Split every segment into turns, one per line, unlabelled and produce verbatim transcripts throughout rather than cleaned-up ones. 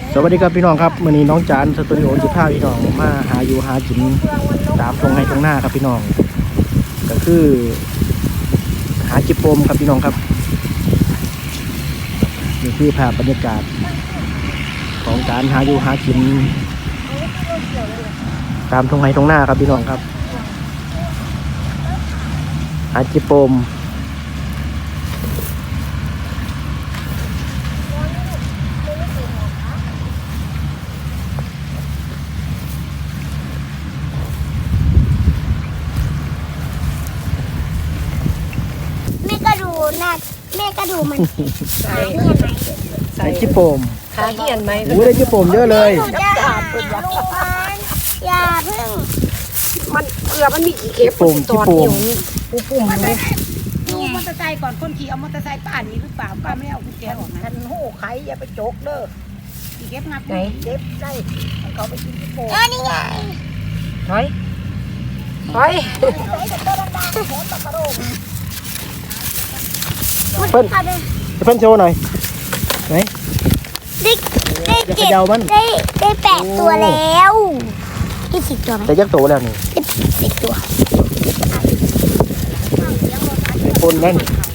สวัสดีครับพี่น้องครับวันนี้น้องจานสตูดิโอจิพาพี่น้องมาหาอยู่หากินตามตรงให้ตรงหน้าครับพี่น้องก็คือหาจิโปมครับพี่น้องครับนี่คือภาพบรรยากาศของการหาอยู่หากินตามตรงให้ตรงหน้าครับพี่น้องครับหาจิโปม
น่าแม่ก็ดูมันใส่
ใส่จิโปม
ขาเหียนไหม
โอ้ได้จิโปมเยอะเลย
อย่าเพิ่ง
มันเกลือมันมีกี่เข็ม
ปุ่มจิโปม
ปูปุ่มเลย
ดูมอเตอร์ไซค์ก่อนคนขี่เอามอเตอร์ไซค์ป้านี้หรือเปล่าป้าไม่เอากุญแจออกนะ
ทันหูไข่อย่าไปโจกเด้อ
ขี่เก็บงับ
ไหนเก็บได้เขาไปกินที่โป่ง
เออนี่ไง
ถอยถอย
เพิ่นเพิ่นโชว์หน่อยไหน
ได้ได้เก็บได้ได้แปดตัวแล้วได้สิบตัวไหม
แต่ยักษ์โตแล้วนี่
ได้สิบตัว
คนนั่น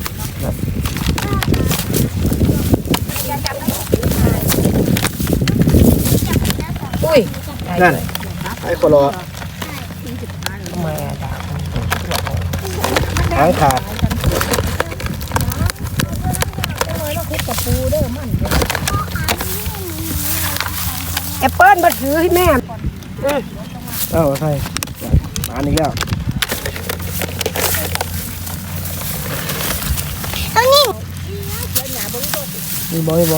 อุ้ย
นั่นไอ้คนรอ
ทำไมอ่ะด่า
หางขาด
แอปเปิ้ลมาถือให้แม่
เอ้าใช่มาอีกแล้ว
เอานี่
มีบอมีบอ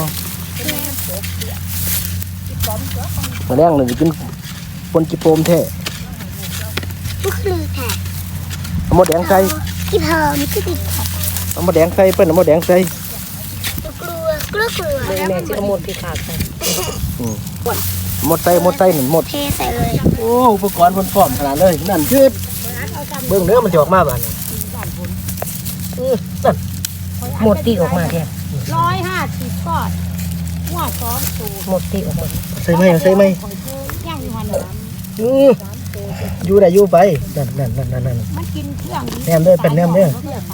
มาแรงเลยกินปนจิโปมแท้
ลูกคือแท้
เอาหมดแดงใส่
กี่เพิ่มคือติด
เอาหมดแดงใส่เปิ้ลเอาหมดแดงใส่
กลัวกลัวกลัว
แม่แม่จะเอาหมดที่ขาดไป
หมดใส่หมดใส่หนึ่งหมด
เทใส่เลย
โอ้อุปกรณ์คนพร้อมขนาดเลยนั่นคือเบื้องเนื้อมันจะออกมาบ้านนั่น
หมดตีออกมาแค่
ร้อยห้าสิบก้อนหัวสองตัว
หมดตีออกมา
ใส่ไหมใส่ไหม
ย่างอยู่หันหลัง
อยู่ได้อยู่ไปนั่นนั่นนั่นนั่น
มันกินเครื่อง
แนมด้วยเป็นแนมด้วย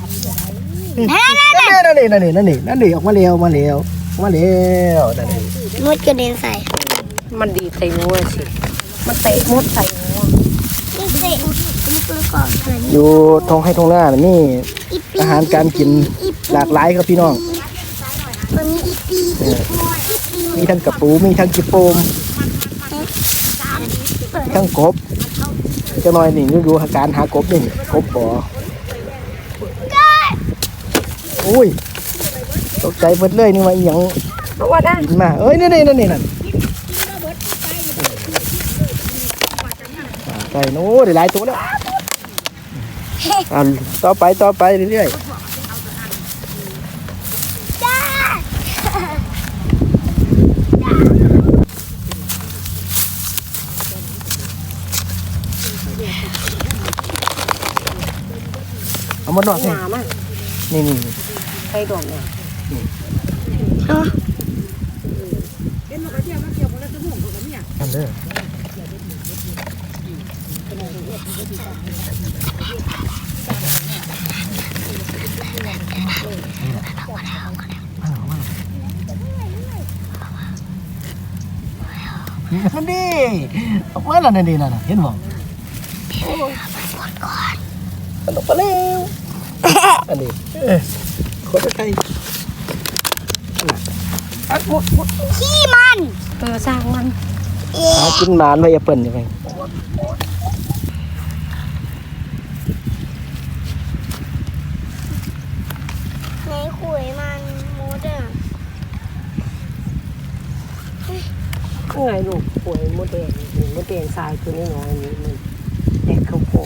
นั่นนี่นั่นนี่นั่นนี่นั่นนี่ออกมาเร็วมาเร็วมาเร็วนั่นนี่
มดกระเด็นใส่
มันดีใส่งัวสิมันเตะมดใส่งัว
นี่เตะนี่คือก่อน
อยู่ทงให้ทงหน้านี่อาหารการกินหลากหลายครับพี่น้อง
มันมีอีปี
มีทั้งกระปูมีทั้งจิโปมทั้งกบจะหน่อยนี่ดูอาการหากบนี่กบบ่ออุ้ยตกใจเบิดเลยนี่ว่าอย่างกินมาเอ้ยนี่นี่นั่นนี่นั่นใส่โน้ได้หลายตัวแล้วอ่าต่อไปต่อไปเรื่อยๆเอามาหน่อยนี่นี่
ใส่ดอกเนี่ย
อันเด้อนั่นดิออกมาแล้วนั่นดินั่นเห็นบ่มันออกมาแล้วอันนี้คนไทยอัดหมดหมด
ขี้มัน
เออสร้างมัน
หากินหมานไว้อย่าเปิ่นยังไง
ในขุยมันมดอ่ะ
ไงลูกป่วยมดแดงมดแดงทรายตัวน้อยๆนี้มันแดกเข้าโขก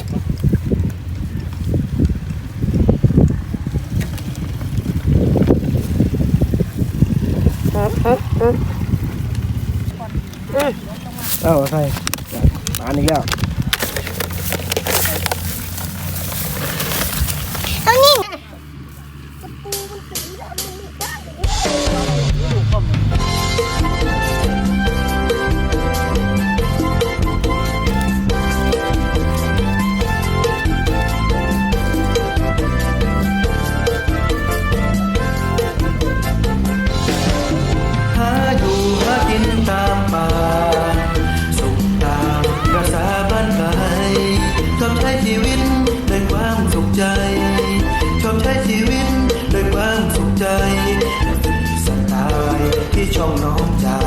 เอ้าใช่มาอีกแล้ว
เอานี่
ช่องน้องจาน